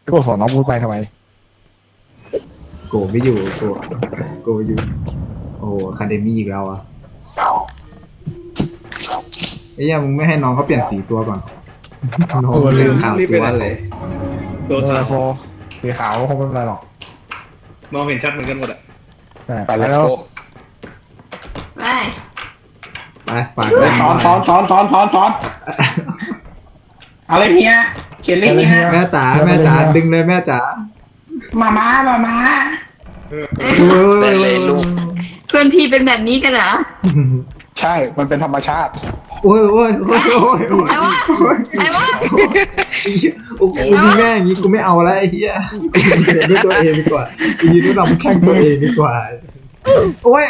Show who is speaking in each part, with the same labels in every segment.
Speaker 1: ก็สอนน้องพูดไปทำไม
Speaker 2: โกไม่อยู่โกอยู่โอ้คาเดมี่อีกแล้วอ่ะไอ้ยังมึงไม่ให้น้องเขาเปลี่ยนสีตัวก่อนน้องลืมขาวตัวเลย
Speaker 3: โดน
Speaker 1: โฟสีขาวคงไม่เป็นไรหรอก
Speaker 3: มองเห็นชัดเหมือนกันหมดอ่ะ
Speaker 1: ไปแล้ว
Speaker 4: ไป
Speaker 2: ไปฝาก
Speaker 5: ซ้อนอะไรเฮียเขียนเลขเฮีย
Speaker 2: แม่จ๋าดึงเลยแม่จ๋า
Speaker 5: มา
Speaker 4: เพื่อนพี่เป็นแบบนี้กันเหรอ
Speaker 5: ใช่มันเป็นธรรมชาติ
Speaker 2: โอ้ย
Speaker 4: ใครวะใครวะ
Speaker 2: โอ้โหมีแม่อย่างงี้กูไม่เอาแล้วไอ้เหี้ยด้วยตัวเองดีกว่ายืนด้วยลำแข้งตัวเองดีกว่าโอ้ย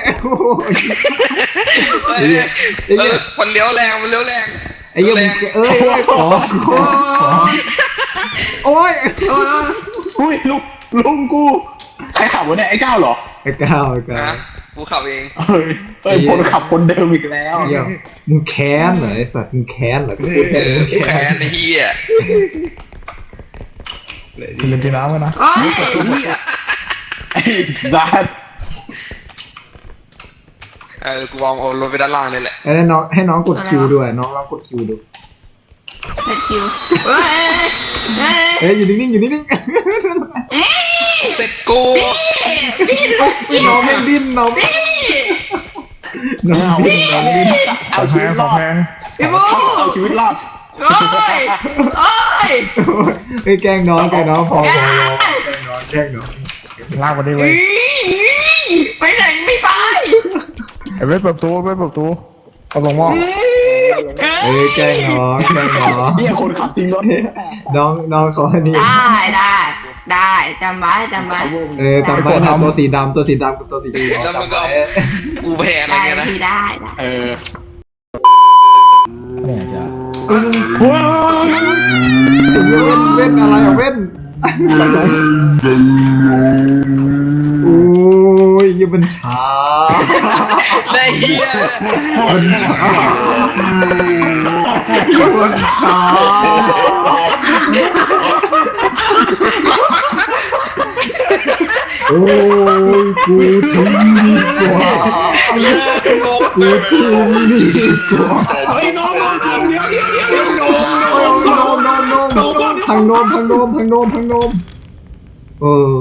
Speaker 6: มันเลี้ยวแรง
Speaker 2: ไอ้เหี้ยมึงขอโอ้ย
Speaker 5: อุ้ยลุงกูใครขับวะเนี่ยไอ้ก้าวเหรอ
Speaker 2: ไอ้ก้าว
Speaker 6: นะกูขับเอง
Speaker 5: เอ้ยคนขับคนเดิมอีกแล้ว
Speaker 2: เหี้ยมึงแค้นเหรอไอ้สัตว์มึงแค้นเหรอกูแค้น
Speaker 6: แค้นไอ้เหี้ย
Speaker 1: กินเลยกินน้ำกันนะ
Speaker 4: โอ้ย
Speaker 5: ไอ้ดัด
Speaker 6: กูวางเอารถไปด้านล่างเลยแหละ
Speaker 2: ให้น้องกดคิวด้วยน้องลองกดคิวดู
Speaker 4: เด็ดคิวเฮ้ยเฮ้ย
Speaker 2: อยู่นิ่ง
Speaker 6: เสร็จกู
Speaker 4: พี่
Speaker 2: น้องไม่ดิ้นน้องดิ้น
Speaker 1: ของแพง
Speaker 4: พี่บู
Speaker 5: เอาชีวิตรอด
Speaker 4: โอ้ยโอ้ย
Speaker 2: ไอ้แกล้งน้องพอแกล้งน้อง
Speaker 1: ลากมาดิเว้ย
Speaker 4: ไปไหนไม่ไป
Speaker 1: ไอ้เว้ยเปิดประตูเอาลงหม้อ
Speaker 2: แกล้งน้อง
Speaker 5: เฮียคนขับทิ้งรถ
Speaker 2: น้องเขาอันนี้
Speaker 4: ได้จำไว้
Speaker 2: จำไว้นะตัวสีดำกับตัวสีแดง
Speaker 6: แล้วมึงก็เอากูแพ้อะไรเงี้ยนะ
Speaker 4: ได้
Speaker 1: เนี่ยจ้ะ
Speaker 2: เว้นอะไรอ่ะเว้นโอ้ยยังมันช้า
Speaker 6: ได้เหี้ย
Speaker 2: มันช้าโอ้ยกูทิ้งดีกว่า
Speaker 5: เฮ้ยน้องเดี๋ยว
Speaker 2: พังโนมเออ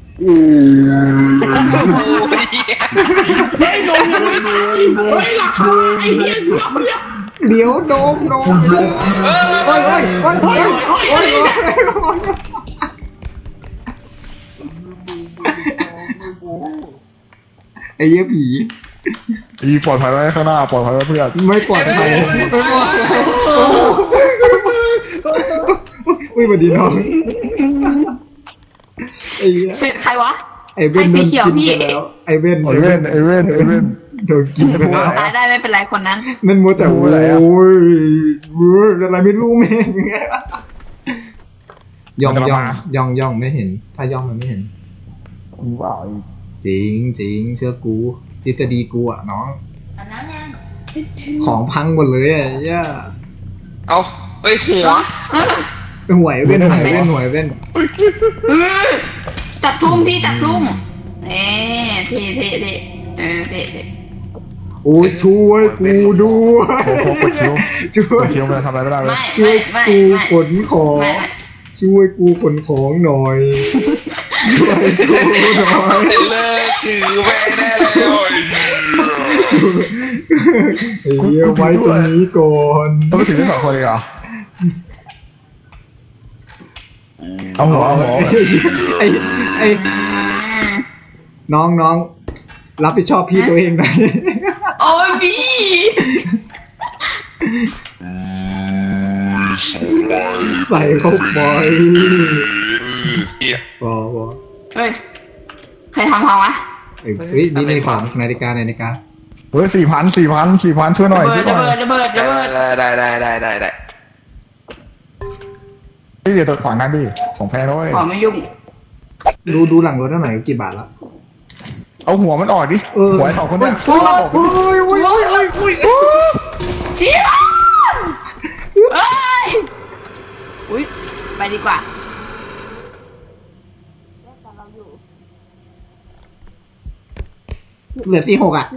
Speaker 5: เฮ้ยน้องเฮ้ยราคาไอ้เฮีย
Speaker 2: เดี๋ยวโนมโอ้ยไอ้เหี้ยผี
Speaker 1: อีปลอดภัยไว้ข้างหน้าปลอดภัยไว้เพื่อน
Speaker 2: ไม่ปลอดภัยอุ้ยสวัสดีน้องไอ้เหี้ย
Speaker 4: เสร็จใครวะ
Speaker 2: ไอ้เว้นโดนกินไปแล้วไอ้เว้นโดนกินไปแล้ว
Speaker 4: ตายได้ไม่เป็นไรคนนั้น
Speaker 2: นั่นมัวแต่โอ้ยอะไรไม่รู้แม่งย่องไม่เห็นถ้าย่องมันไม่เห็น
Speaker 1: ว้าว
Speaker 2: จริงเชื่อกูทฤษฎีกูอ่ะน้องของพังหมดเลยอ่ะย่า
Speaker 6: เอาเฮ้ยหัว
Speaker 2: หวยเว้น
Speaker 4: จับทุ่มพี่จับทุ่มเท่เท่
Speaker 2: โอ้ช่วยกูด้วย ช่วย
Speaker 1: คิวมันทำอะไรไม่ได้เลย
Speaker 2: ช่วยกูขนของช่วยกูขนของหน่อยช่วยกูหน่อย
Speaker 6: เลิกถือแม่แน่เลย
Speaker 2: ไอ้เหี้ยไว้ตรงนี้ก่อน
Speaker 1: ต้องไปถึงที่2 คนเลยเหรอเอาหัว
Speaker 2: ไอ้น้องรับผิดชอบพี่ตัวเองหน่อย
Speaker 4: โอ้ยพี่
Speaker 2: ใส่เข้าไปพอ
Speaker 4: เฮ้ยใครทำพังวะ
Speaker 2: เฮ้ยนี่ของนาฬิกา
Speaker 1: เฮ้ย4,000ช่วยหน่อย
Speaker 4: ระเบิด
Speaker 6: ได้
Speaker 1: นี่เดี๋ยวตัวขวางนั่นดิของแพงด้วย
Speaker 4: ขอไม่ยุ่ง
Speaker 2: ดูหลังรถหน่อยกี่บาทละ
Speaker 1: เอาหัวมันออกดิหัวไอ้2 คนเนี่ย
Speaker 4: โอ้ยเชี่ยเฮ้ยอุ้ยไปดีกว่า
Speaker 2: เหลือ46อ่ะ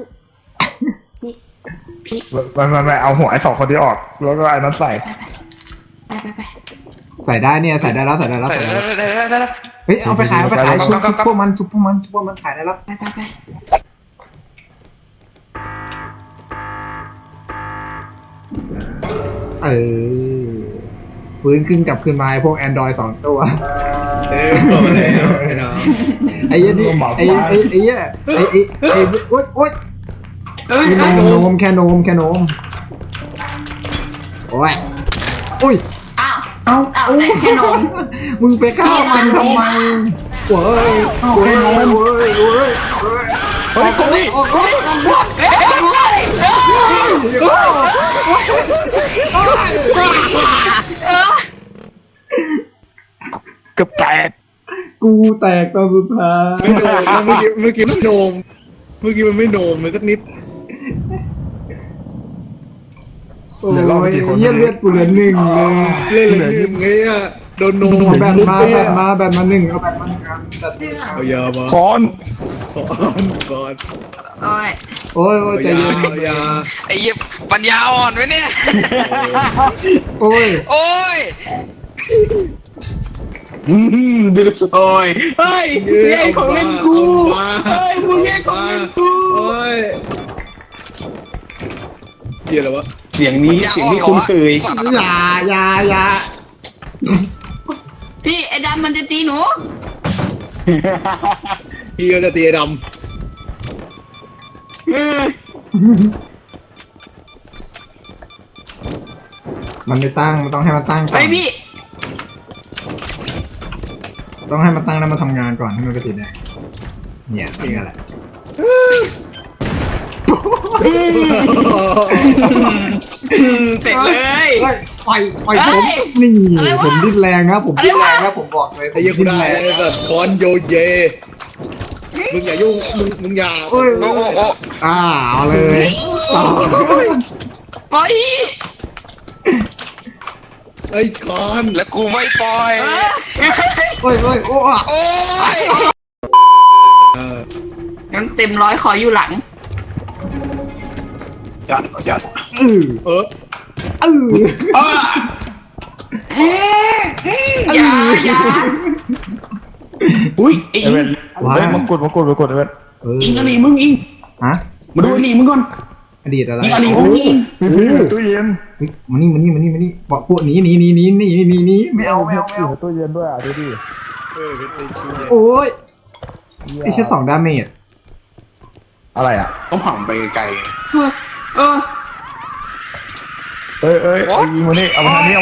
Speaker 4: พี่
Speaker 1: ไม่เอาหัวไอ้สองคนที่ออก แล้วก็ไอ้นั้นใส่
Speaker 4: ไป
Speaker 2: ใส่ได้เนี่ยใส่ได้แล้ว
Speaker 6: ใส่ได้แล้ว
Speaker 2: เฮ้ยเอาไปขายชุบพวกมันขายได้แล้ว
Speaker 4: ไป
Speaker 2: เออฟื้นขึ้นกลับคืนมาพวก Android 2 ตัว
Speaker 3: บอกมาแล้วไอ้น้อง
Speaker 2: ไอ้เหี้ยนี่ไอ้เหี้ยโอ๊ย
Speaker 4: เอ้ย
Speaker 2: แค่โนมโอ้ยอุ้ย
Speaker 4: อ้าว
Speaker 2: เอา
Speaker 4: แต่แค่นม
Speaker 2: มึงไปฆ่ามันทำไมเว้ยเว้ยออกรถ
Speaker 1: เกือบแตก
Speaker 2: กูแตกตอนสุดท้าย
Speaker 3: ไม่โนมเมื่อกี้มันโนมเมื่อกี้มันไม่โนมเลยสักนิด
Speaker 2: โอ้ยเหี้ยเลือดกูเหลือ1เลย
Speaker 3: เล่นเลยลืมไงอ่ะโดนโนม
Speaker 2: แบตมา1เอาแบตมา1อัน
Speaker 3: เอายามา
Speaker 1: ค้อน
Speaker 3: ก่อน
Speaker 4: โอ้ย
Speaker 2: โอ้ยใจเย็น
Speaker 3: เอายา
Speaker 6: ไอ้เหี้ยปัญญาอ่อนไว้เนี่ย
Speaker 2: โอ้ย
Speaker 6: โอ้ย
Speaker 5: ดื้อซอยเฮ้ยมึงแย่งของเล่นกูเฮ้ยมึงแย่งของเล่นกู
Speaker 3: โอ้ยเจียอะไรวะ
Speaker 5: เสียงนี้คุ้นเคย
Speaker 2: อย่า
Speaker 4: พี่ไอ้ดำมันจะตีหนู
Speaker 3: พี่ก็จะตีไอ้ด
Speaker 2: มันไม่ตั้งมันต้องให้มันตั้งก่
Speaker 4: ไป
Speaker 2: อน
Speaker 4: พี่
Speaker 2: ต้องให้มันตั้งแล้วมาทำงานก่อนให้มันเป็นสีแดงเนี่ยนี่แหละ
Speaker 4: เสร็จเลย
Speaker 2: ปล่อยผมนี่ผมดิ้นแรงครับผมบอกเลย
Speaker 3: ำไอ้เหี้ยกูได้ไอ้สัตว์คอนโยเยมึงอย่ายุ่งมึงอย่า
Speaker 2: โอ้ย
Speaker 6: โอ้โอ้
Speaker 2: เอาเลยต่อ
Speaker 4: ปล่อย
Speaker 3: ไอ้คอน
Speaker 6: แล้วกูไม่ปล่อย
Speaker 2: โอ้ยโอ้ย
Speaker 6: โอ้ย
Speaker 4: งั้นเต็มร้อยขออยู่หลัง
Speaker 5: ยัด
Speaker 3: เออ
Speaker 4: อย่า
Speaker 5: อุ้ยไอ้
Speaker 1: ไอ้
Speaker 5: อิง
Speaker 1: เว้นเว้นมงกุฎไอ้เว้น
Speaker 5: อิงอลีมึงอิง
Speaker 2: ฮะ
Speaker 5: มาดูอลีมึงก่อน
Speaker 2: อดีตอะไร
Speaker 5: อิงอลีของอิง
Speaker 1: พี่ตู้เย็น
Speaker 2: มานี่บอกพวกนี้ไม่เอา
Speaker 1: ตู้เย็นด้วยอ่ะดูดิ
Speaker 2: โอ้ยไอ้แค่2 ดาเมจ
Speaker 1: อะไรอ่ะ
Speaker 5: ต้องผ่านไปไกล
Speaker 1: เอ้ยยิงมานี่เอามาทางนี้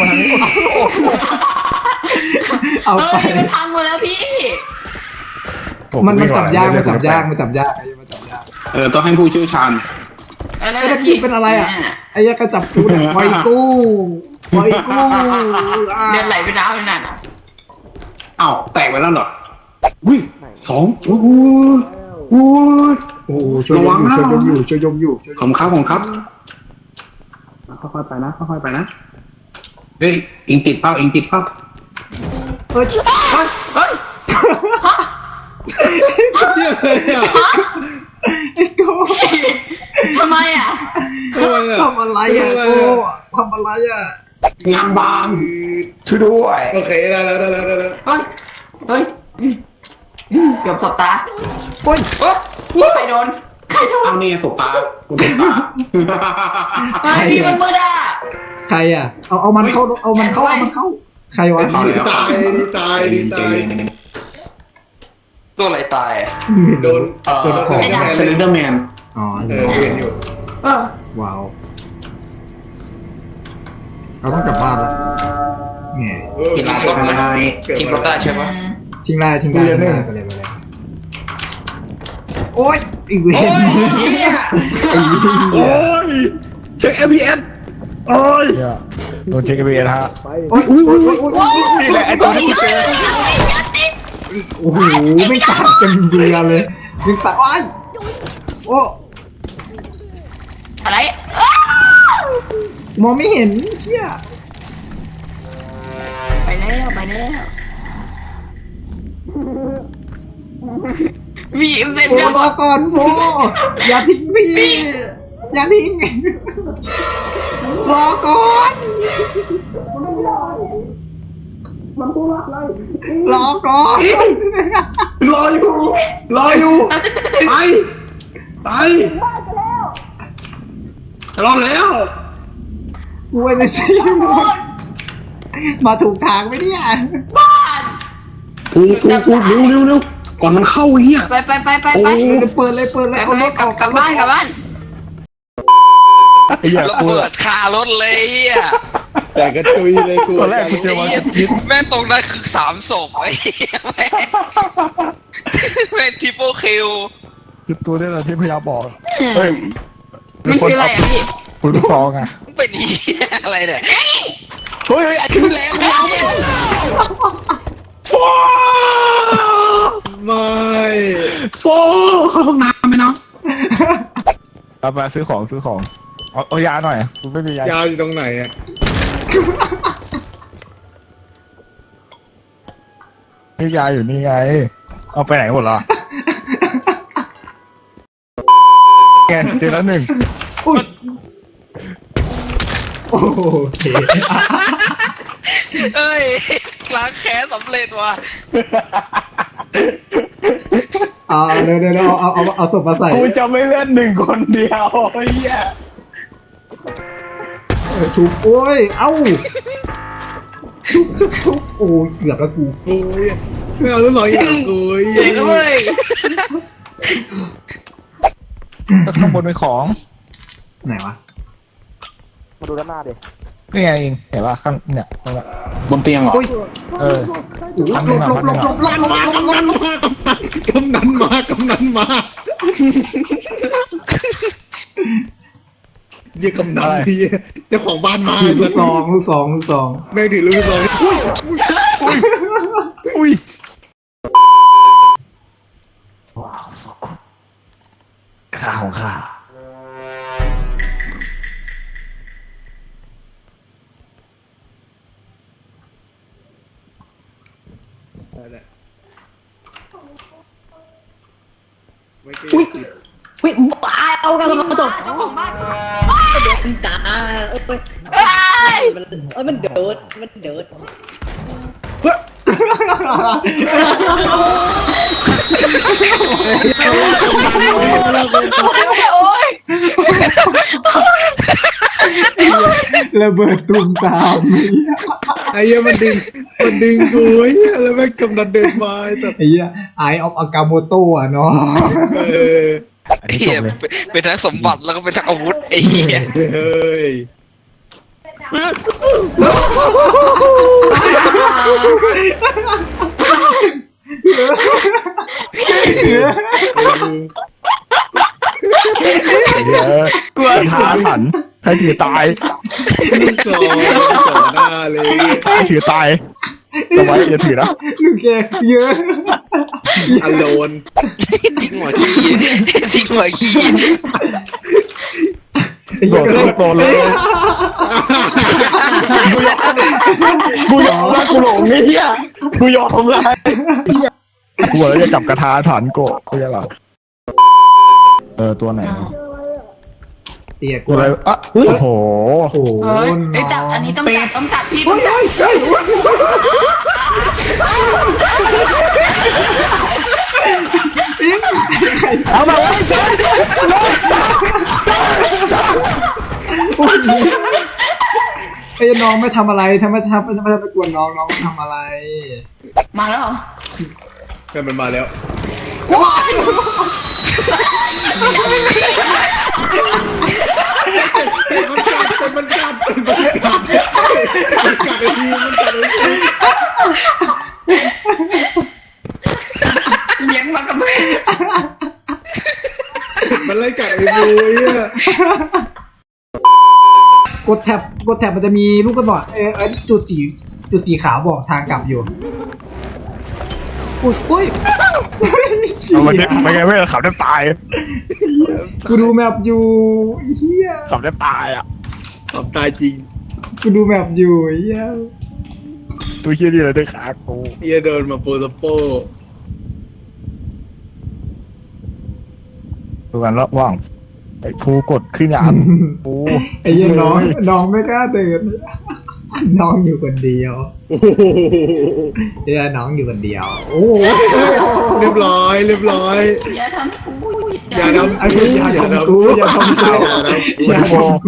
Speaker 2: เอาไป
Speaker 4: มันพังหมดแล้วพี่
Speaker 2: มันจับยากไอ้มาจับยาก
Speaker 5: ต้องให้ผู้เชี่ยวชาญ
Speaker 2: ไอ้ตะกี้เป็นอะไรอ่ะไอ้ยักษ์กระจับกูเนี่ยปล่อยกู
Speaker 4: เลือดไหลไปน้ำไปนั่นอ่ะ
Speaker 5: อ้าวแตกไปแล้วเหรออุ้ย2อุ้ย
Speaker 2: โอ้ช่วยยมอยู่
Speaker 5: ผมครับค่อยๆไปนะเฮ้ยอิงติดเป้า
Speaker 2: เฮ้ย
Speaker 4: เฮ้ย
Speaker 2: ไอ้โก้
Speaker 4: ทำไมอ่ะ
Speaker 2: ทำอะไรอ่ะโก้ทำอะไรอ่ะ
Speaker 5: งานบาง
Speaker 1: ช่วยด้วย
Speaker 3: โอเคได้แล้ว
Speaker 4: เฮ้ยเกือบสบตาใครโดน
Speaker 5: เอาเนี่ยสบตาคุณสบตา
Speaker 4: พี่มันมืดอ่ะ
Speaker 2: ใครอ่ะเอามันเข้าใครวะ
Speaker 3: ตาย
Speaker 6: ตัวอะไรตายอ่ะ
Speaker 3: โดน
Speaker 5: เซเลนเดอร์แมน
Speaker 2: อ๋อ
Speaker 3: เห็นอยู่
Speaker 2: ว้าวเราต้องกลับบ้านแล้วไง
Speaker 6: ทิ้งรถได้ทิ้งรถได้ใช่ปะ
Speaker 2: ทิ้งได้ไปเลยโอ๊ยอีเวน
Speaker 6: โอ้ยเหี้ย
Speaker 5: โอ้ยเช็ค FPS
Speaker 1: โอ้ยโดนเช็คเบียร์ฮะ
Speaker 2: โอ้ย
Speaker 1: นี่แหละไอ้ตัวที่กูเจอ
Speaker 2: โอ้โหไม่ตัดกันเบื่อเลยไม่ตัดโอ้
Speaker 4: อะไร
Speaker 2: มองไม่เห็นเชี่ย
Speaker 4: ไปแล้วมีเป็น
Speaker 2: โฟรอก่อนโฟอย่าทิ้งพี่อย่าทิ้งรอก่อนรอก่อน
Speaker 5: รออยู่ไปรอแล้ว
Speaker 2: กูเอเนจีหมดมาถูกทางไหมเนี่ย
Speaker 4: บ้าน
Speaker 5: ถูกเร็วก่อนมันเข้าเฮีย
Speaker 4: ไป
Speaker 2: เปิดเลยเอารถออก
Speaker 4: กลับบ้าน
Speaker 1: ไอ้เหี้ย
Speaker 6: ระ
Speaker 1: กู
Speaker 6: เบิดคารถเลยอ่ะ
Speaker 3: แต่กระจุยเลยกู
Speaker 1: ตอนแรกกูเจอวันพิษ
Speaker 6: แม่งตรงนั้นคือ3 ศพไอ้เหี้ยแม่งทริปเปิลคิว
Speaker 1: คือตัวนี้แหละที่พยายามบอก
Speaker 4: เฮ้ยมันคืออะไรอ่ะพี่
Speaker 1: ปืนลูกซองอ่ะ
Speaker 6: เป็นเหี้ยอะไรเนี่ย
Speaker 5: เฮ้ยอาชีพแรงไม่เอาโฟ
Speaker 3: ไม่
Speaker 5: โฟเข้าห้องน้ำไหมเนาะ
Speaker 1: เอามาซื้อของเอายาหน่อยกูไม่มียาย
Speaker 3: าวอยู่ตรงไหนอ่ะ
Speaker 1: นี่ยาอยู่นี่ไงเอาไปไหนหมดละไงเจอแล้วหนึ่ง
Speaker 2: โอ้โห
Speaker 6: เอ้ยล้างแค้นสำเร็จว่ะ
Speaker 2: เดี๋ยวเอาศพมาใส่
Speaker 5: กูจะไม่เล่น1 คนเดียวเฮีย
Speaker 2: ชุบโอ้ยเอ้าชุบโอ้ยเกือบแล้วกู
Speaker 3: โอ้ยไม่เอาลูกน้องอย่างกู
Speaker 4: เด็กเว้ย
Speaker 1: ข้างบนเป็นของ
Speaker 2: ไหนวะ
Speaker 1: นี่ไงเองเห็นป่ะข้างเนี่ยตรงนั้น
Speaker 5: บนเตียงเหรอ
Speaker 1: เออ
Speaker 2: หลบ
Speaker 3: กำนันมาเยี่ยกำนันพี่เจ้าของบ้านมา
Speaker 2: ถือลูกซอง
Speaker 3: แม่งถือลูกซอง
Speaker 1: อุ้ยกระทาของข้า
Speaker 3: ไม่เก่ง
Speaker 7: วิบ้าเอากันมาตก
Speaker 4: เจ้าของบ้าน
Speaker 7: ตา
Speaker 4: เอ้ย
Speaker 7: มันเดิด
Speaker 4: โอ้ย
Speaker 2: ระเบิดตุ่มตาม
Speaker 3: ไอ้เหี้ยมันดึงกูไอ้เหี้ยแล้วแม่งกำนันเดินมาไอ้สัส
Speaker 2: ไอ้เหี้ยไอออฟอากาโมโตะเนาะ
Speaker 3: เออ
Speaker 1: อันนี้จ
Speaker 6: เหี้ย
Speaker 1: บเลย
Speaker 6: เป็นทั้งสมบัติแล้วก็เป็นทั้งอาวุธไอ้เหี้ย
Speaker 3: เฮ้ย
Speaker 1: กลัวท้าหันใครถือตาย
Speaker 3: ลูกซองหน้าเลย
Speaker 1: ใครถือตายเอาไว้อย่าถือนะ
Speaker 2: ลูกแกเยอะ
Speaker 3: อโลน
Speaker 6: ทิ้งหัวขี้ทิ้งหัวขี้
Speaker 1: โดดโตเลยกูยอมแล้วกูหลงเฮียกูยอมแล้วกูบอกแล้วจะจับกระทาฐานโกะกูจะหรอตัวไหน
Speaker 2: เตี้ยกู
Speaker 1: ตัวอะไรอ่ะโอ้โห
Speaker 2: โอ้โห
Speaker 4: เฮ้ยไอ้จับอันนี้ต้องจับพี่ต้องจับ
Speaker 1: เอามาไว้
Speaker 2: ไอ้น้องไม่ทำอะไรทำไมไปกวนน้องทำอะไร
Speaker 4: มาแล้วเหรอ
Speaker 3: แม่งมันมาแล้วมันกัดไอ้ทีมันกัดไอ้ที
Speaker 4: เลี้ยงมากับมือ
Speaker 3: มันไล่กัดไอ้บูเนี่ย
Speaker 2: กดแท็บมันจะมีลูกกระบอกจุดสีขาวบอกทางกลับอยู่อุ้ย
Speaker 1: เอามันไม่ไงไม่ขับได้ตาย
Speaker 2: กูดูแมปอยู่เฮีย
Speaker 1: ขับได้ตายอ่ะ
Speaker 3: ตอบตายจริง
Speaker 2: กูดูแมปอยู่เฮีย
Speaker 1: ตัวเฮียนี่เลยได้ขากู
Speaker 3: เฮียเดินมาโปรสโป
Speaker 1: ดูกันระหว่างไอ้ภูกดขึ้นยานภู
Speaker 2: ไอ้เหี้ยน้องไม่กล้าเดินน้องอยู่คนเดียวเหี้ยน้องอยู่คนเดียวโอ้โห
Speaker 3: เรียบร้อยเรียบร้อย
Speaker 4: อย่าทำกู
Speaker 3: อย่าทำ
Speaker 2: ไอ้เหี้ยอย่าทำกูอย่าทำกูอย่าทำกู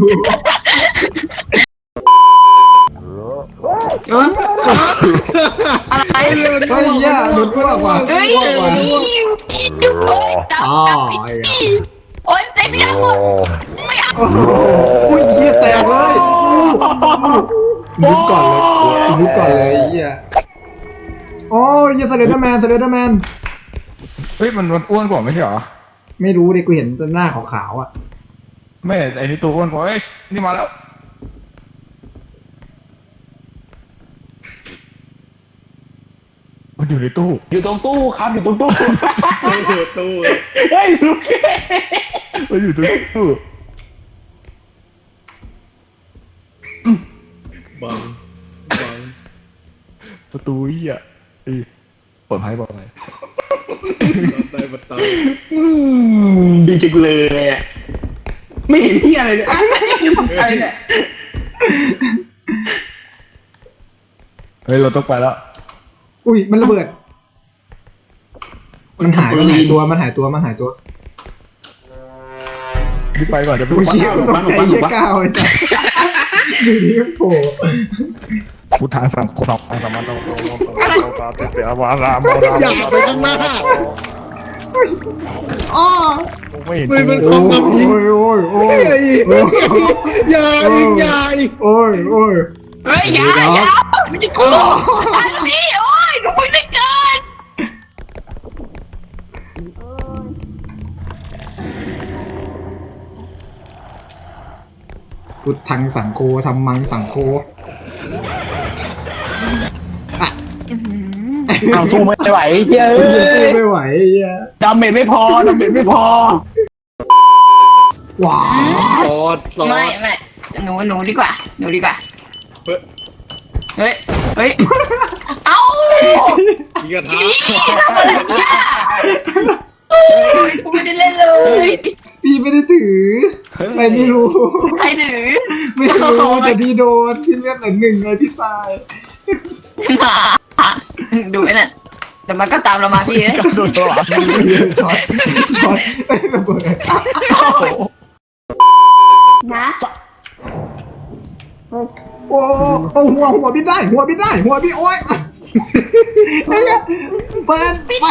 Speaker 4: โยนอะไร
Speaker 2: เฮ้ยเหี้ยโดนอ้วกว่ะ
Speaker 4: เฮ้ย
Speaker 2: อ้วกว่ะ
Speaker 4: จุ๊บจับ
Speaker 2: อ๋อ
Speaker 4: โอ้ยเต็มไปหมด
Speaker 2: โอ้โหอุ้ยเหี้ยแตกเลยลุกก่อนเลยลุกก่อนเลยเหี้ยโอ้ยเหี้ยสเลนเดอร์แมน
Speaker 1: เฮ้ยมันอ้วนกว่าไม่ใช่เหรอ
Speaker 2: ไม่รู้ดิกูเห็นแต่หน้าขาวๆอ่ะ
Speaker 1: ไม่ไอ้นี่ตัวอ้วนกว่าเอ้ยนี่มาแล้วมันอยู่ในตู้
Speaker 5: อยู่ตรงตู้ครับอยู่ตรงตู้
Speaker 3: ตู้
Speaker 5: เฮ้ยลูกแก
Speaker 1: มันอยู่ในตู้
Speaker 3: บัง
Speaker 1: ประตูเหี้ยเปิดไพ่บอกอะไร
Speaker 3: ได้บัตร
Speaker 5: ดีจังเลยอะไม่เห็นที่อะไรเลยไม่เห็นใครเนี่ย
Speaker 1: เฮ้ยเราต้องไปแล้ว
Speaker 2: อุ้ยมันระเบิด มันหายตัว
Speaker 1: รีบไปก่อนจะไป
Speaker 2: อุ้ยเชี่ยกูตกใจเหี้ยก้าวไอ้สัสอยู่ดีก็โผล่
Speaker 1: พุทธาสังโฆสัมมาสัมมาต้องตาเตเตอวาราม
Speaker 3: อย่าไปข้างหน้า
Speaker 2: อ้อ
Speaker 1: ไม่เห็น
Speaker 3: ไม่เป็น
Speaker 2: โอ้ย
Speaker 3: อย่าอีก
Speaker 2: โอ้ย
Speaker 4: เฮ้ยอย่ามันจะกูทันทีโอ้ยหนูไม่ได้เกิน
Speaker 2: พุทธังสังโฆธรรมังสังโฆ
Speaker 5: เอาสู้ไม่ไหวเฮ้ย
Speaker 2: ไม่ไหวเหี้ย
Speaker 5: ดาเมจไม่พอ
Speaker 2: ว้า
Speaker 3: สอด
Speaker 4: ไม่หนูดีกว่าเฮ้ยเอ้า
Speaker 3: มีกระทะ
Speaker 4: พี่ทำอะไรเนี่ยกูไม่ได้เล่นเลย
Speaker 2: พี่ไม่ได้ถืออะไรไม่รู้
Speaker 4: ใครถือ
Speaker 2: ไม่รู้แต่พี่โดนที่เลือดหนึ่งไงพี่ตาย
Speaker 4: ดูไอ้นั่นแต่มันก็ตามเรามาพี่เอ้ย
Speaker 1: โดนตลอด
Speaker 2: ช็อตระเบิด
Speaker 4: นะ
Speaker 2: โอ้หัวพี่ได้หัวพี่โอ้ยไอ้เหี้ยเปิดไป
Speaker 4: พี่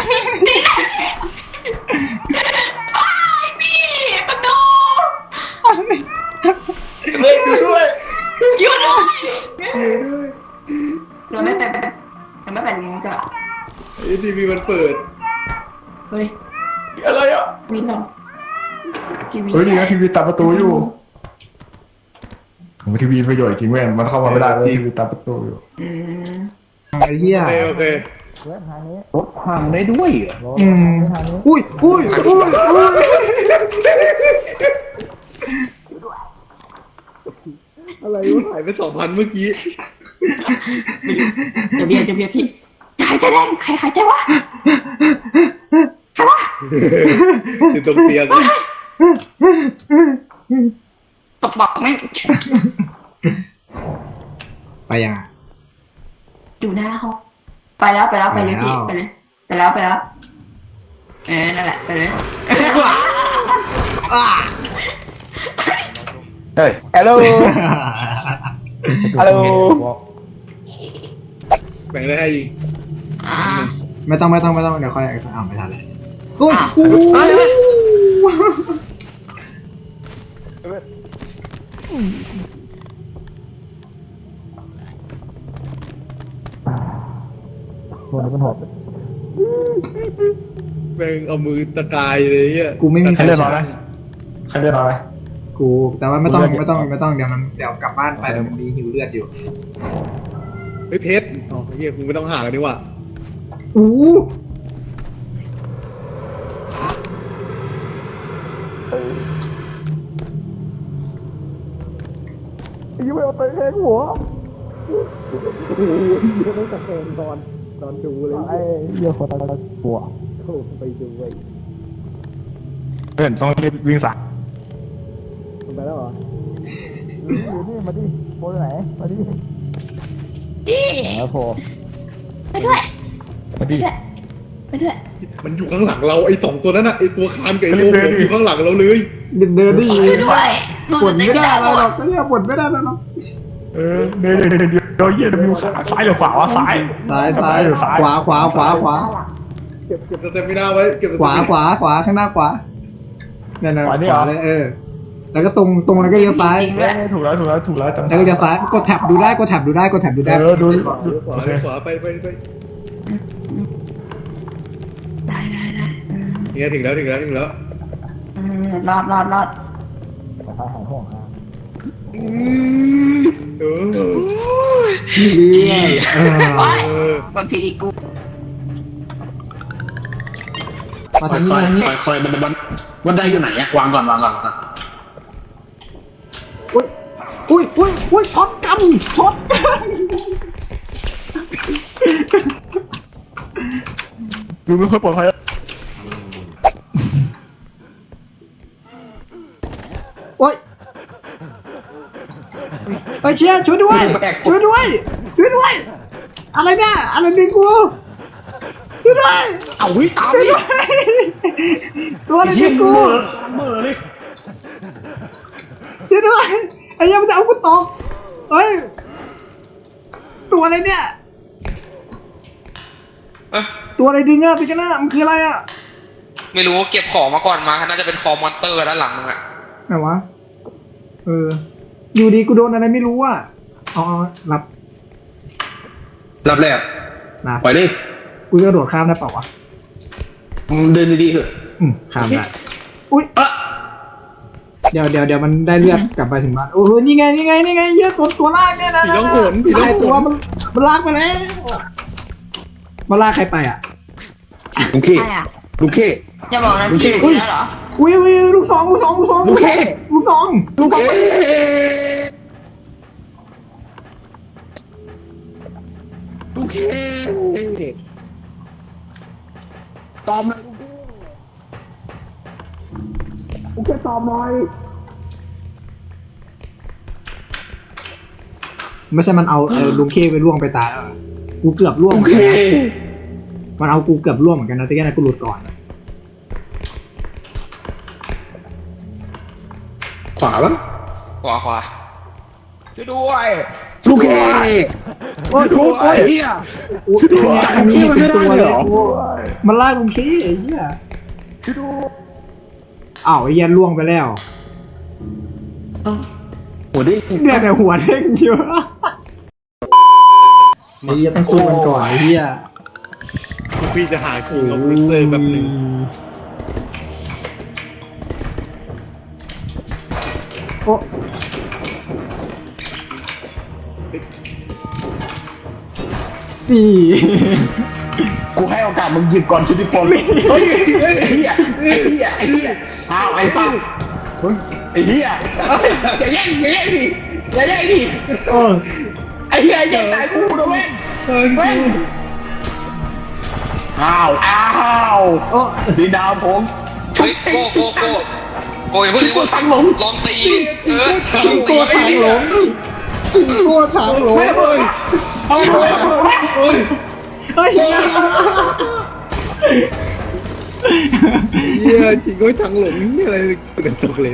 Speaker 4: ประตู
Speaker 5: เล่นด้วย
Speaker 4: อยู่ด้วยเราไม่ไปนี้จ้ะ
Speaker 3: ไอ้ทีวีมันเปิด
Speaker 4: เฮ้ย
Speaker 5: อะไรอ่ะ
Speaker 4: วินเราทีวี
Speaker 1: เฮ้ยนี่นะทีวีตัดประตูอยู่ทีวีประโยชน์จริงเว้ยมันเข้ามาไม่ได้เลยทีวีตัดประตูอยู่
Speaker 2: ไอ้เหี้ย
Speaker 3: โอเค
Speaker 5: รถพังได้ด้วยเหรอ
Speaker 2: อุ้ย
Speaker 3: อะไรวะหายไป2,000เมื่อกี้
Speaker 4: จะเบียร์พี่ใครจะแดงใครจะวะใครวะ
Speaker 3: อยู่ตรงเตียง
Speaker 4: ตบบอกแม่ง
Speaker 2: ไปยัง
Speaker 4: อยู่หน้าห้องไปแล้วไปเลยพี่ไปแล้วนั่นแหละไปเลย
Speaker 5: เฮ้ยฮัลโหลฮัลโหล
Speaker 3: แบ่งได้ให้อีก
Speaker 2: ไม่ต้องเดี๋ยวค่อยเอาไม่ทันเลยอุ้ย
Speaker 1: คนนี้มันหอบ
Speaker 3: แบ่งเอามือตะกายเลยอ่ะ
Speaker 2: กูไม่มี
Speaker 1: ใครเลือดน้อยไหมใครเลือดน้อยไหม
Speaker 2: กูแต่ว่าไม่ต้องเดี๋ยวกลับบ้านไปเดี๋ยวมันมีหิวเลือดอยู่
Speaker 3: เฮ้ยเพชรอ๋อเฮียกูไม่ต้องหากันดีกว่า
Speaker 2: อู้
Speaker 1: ยังไม่เอาไปแทงหัว
Speaker 3: ตอนดูเลย
Speaker 1: ไอ้เหี้ยคนตายหัว
Speaker 3: โทรไปดูไว้
Speaker 1: ไปพื่อนต้องรีบวิ่งสาย
Speaker 3: ไปแล้วเหรอ
Speaker 1: นี่มาดิโพไหนมาดิ
Speaker 4: พี่
Speaker 1: แล้วโพ
Speaker 4: ไปด้วย
Speaker 1: มาดิ
Speaker 4: ไปด้วย
Speaker 3: มันอยู่ข้างหลังเราไอ้สองตัวนั้นน่ะไอ้ตัวคานกับไอ้ตัวผมอยู่ข้างหลังเราเลย
Speaker 2: เดินได้
Speaker 4: ช่
Speaker 2: ยิ
Speaker 4: วย
Speaker 2: น
Speaker 4: ด้วยหนู
Speaker 2: ปวด
Speaker 4: จะ
Speaker 2: ไม่
Speaker 4: ไม่
Speaker 2: ได้
Speaker 4: ได้
Speaker 2: แล้วหรอกเนี่ยปวดไม่ได้แล้วหรอก
Speaker 1: เดี๋ยวเหี้ยจะมีขาซ้ายหรือขวาวะซ้าย
Speaker 2: ซ้าย
Speaker 1: ซ้าย
Speaker 2: ขวาขวาขวาขวา
Speaker 3: เก็บสเตมิน่าไว้เก็บส
Speaker 2: ขวา
Speaker 3: เตมิ
Speaker 2: ขวาขวาข้างหน้าขวาเนี่ยนะขวาเลยแล้วก็ตรงแล้วก็เลี้ยวซ้าย
Speaker 1: ถูกแล้วจำ
Speaker 2: แล้วก็เลี้ยวซ้ายกดแท็บดูได้กดแท็บดูได้
Speaker 1: ดู
Speaker 3: ขวาขวาไป
Speaker 4: ได้
Speaker 3: เนี่ยถึงแล้ว
Speaker 4: รอด
Speaker 1: ซ้ายหายห่วง
Speaker 3: เออ
Speaker 4: โอ๊ย
Speaker 3: เออก
Speaker 4: ดผิดอีกกู
Speaker 2: มาทางนี้มาทางนี้
Speaker 5: คอยมันได้อยู่ไหนอะวางก่อน
Speaker 2: อุ้ยช็อตกันช็อตกัน
Speaker 1: ดูไม่ค่อยปลอดภัย
Speaker 2: โอ้ยเชียร์ช่วยด้วยอะไรเนี่ยอะไรดึงกูช่วยด้วย
Speaker 5: เอาวิตาม
Speaker 2: ช่วยด้วยตัวอะไรดึงกู
Speaker 5: เมื่อเลย
Speaker 2: ช่วยด้วยไอ้เหี้ยังมันจะเอากูตกเฮ้ยตัวอะไรเนี่ยตัวอะไรดึงอะติกันนะมันคืออะไรอะ
Speaker 6: ไม่รู้เก็บของมาก่อนมาน่าจะเป็นคอมมอนเตอร์ด้านหลังมึงอะ
Speaker 2: ไหนวะอยู่ดีกูโดนอะไรไม่รู้อะเอารับ
Speaker 5: รับแล้ว
Speaker 2: นะ
Speaker 5: ปล่อยดิ
Speaker 2: กูจะกระโดดข้ามได้เปล่าวะ
Speaker 5: มึงเดินดีๆเถอะ
Speaker 2: ข้ามได้อุ้ยเดี๋ยวมันได้เลือดกลับไปถึงบ้านโอ้โหนี่ไงเยอะตัวลากเนี่ยนะ
Speaker 3: ผีต้องโหนผีต้องโห
Speaker 2: ตัวน มันลากไปแล้วมันลากใครไปอ่ะ
Speaker 5: ลุงเค
Speaker 4: ใช่อ่ะ
Speaker 5: ลุงเค
Speaker 4: จะบอกนะพี่อยู่แล้วเหรอ
Speaker 2: อุ้ยลูกสอง
Speaker 5: ลูกเค
Speaker 2: ลูกสอง
Speaker 5: ลุงเคตอมเลยลุงเคตอมหน่อย
Speaker 2: ไม่ใช่มันเอาลุงเคไปล่วงไปตายแล้วอะกูเกือบล่วง
Speaker 5: ลุงเค
Speaker 2: มันเอากูเกือบล่วงเหมือนกันนะแต่แค่นั้นกูหลุดก่อน
Speaker 5: ขวาปะ
Speaker 6: ขวา
Speaker 1: ช่วยด้วย
Speaker 5: ลุงเค
Speaker 2: โอ้ย
Speaker 5: ไอ้เหี้ย
Speaker 2: อันนี้เป็นตัว
Speaker 5: ไม่ได้
Speaker 2: เล
Speaker 5: เหร
Speaker 2: ย
Speaker 5: อ
Speaker 2: มันลากลุงเคไอ้เหี้ย
Speaker 1: ช่วยด้วย
Speaker 2: อ้าวไอ้เหี้ยล่วงไปแล้ว
Speaker 5: หัวดิ
Speaker 2: เนี่ยแต่หัวเด้งเยอะไอ้เหี้ยต้องสู้กันก่อนไอ้เหี้ย
Speaker 3: พี่จะหาคิงออฟฟิเซอร์แบบหนึ่ง
Speaker 2: โอ้ตี
Speaker 5: กูให้โอกาสมึงหยิบก่อนชุติพลเฮ้ยไอ้เหี้ยอ้าวไอ้ฟังเฮ้ยไอ้เหี้ยอย่าแย่งดิอย่าแย่งดิ
Speaker 2: เออ
Speaker 5: ไอ้เหี้ยแย่งตายกูนะเว้ยเว้ยอ้าว
Speaker 2: โอ้
Speaker 5: ดีดาวผม
Speaker 6: เฮ้ยโกอย่าเพิ่ง
Speaker 5: กูสั่งหลง
Speaker 6: ลองตี
Speaker 2: ชิงโก้ช้างหลงชิงโก้ช้างหลง
Speaker 5: เอาเลย
Speaker 3: โอ้ย
Speaker 2: เฮ้ย
Speaker 3: เหี้ยชิงก็ชังหลงนี่อะไรเป็นตกเลน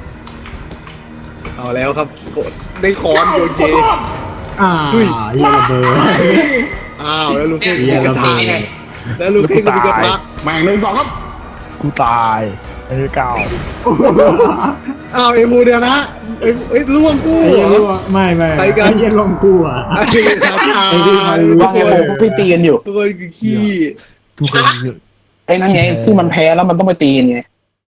Speaker 3: เอาแล้วครับกดได้คอนโยเจ
Speaker 2: เหี้ยระเบิด
Speaker 3: อ้าวแล้วลูกเทพ
Speaker 2: เหี้ย
Speaker 3: ก
Speaker 2: ระ
Speaker 3: ระ
Speaker 2: เบิ
Speaker 3: ทะ
Speaker 2: ด
Speaker 3: แล้วลูกเทพก็มีกระทะ
Speaker 5: แม่ง1 2ครับ
Speaker 1: กูตายไอ้เก่า
Speaker 3: อ้าวไอ้มูเดียวนะไอ้ล่วงกู้
Speaker 2: ไอ้
Speaker 3: เหร
Speaker 2: เหี้ย
Speaker 3: อ
Speaker 2: รั่วไม่
Speaker 3: ไปกัน
Speaker 2: ไอ้เหี้ยลงคู่อ่ะ
Speaker 3: ไอ้คาถา
Speaker 2: ไอ้ที่มันรู้
Speaker 5: ว่าไงผมก็ไปตีกันอยู่
Speaker 3: ทุกคนคือขี้
Speaker 1: ทุกคน
Speaker 5: ไอ้นั่นไงที่มันแพ้แล้วมันต้องไปตีกันไง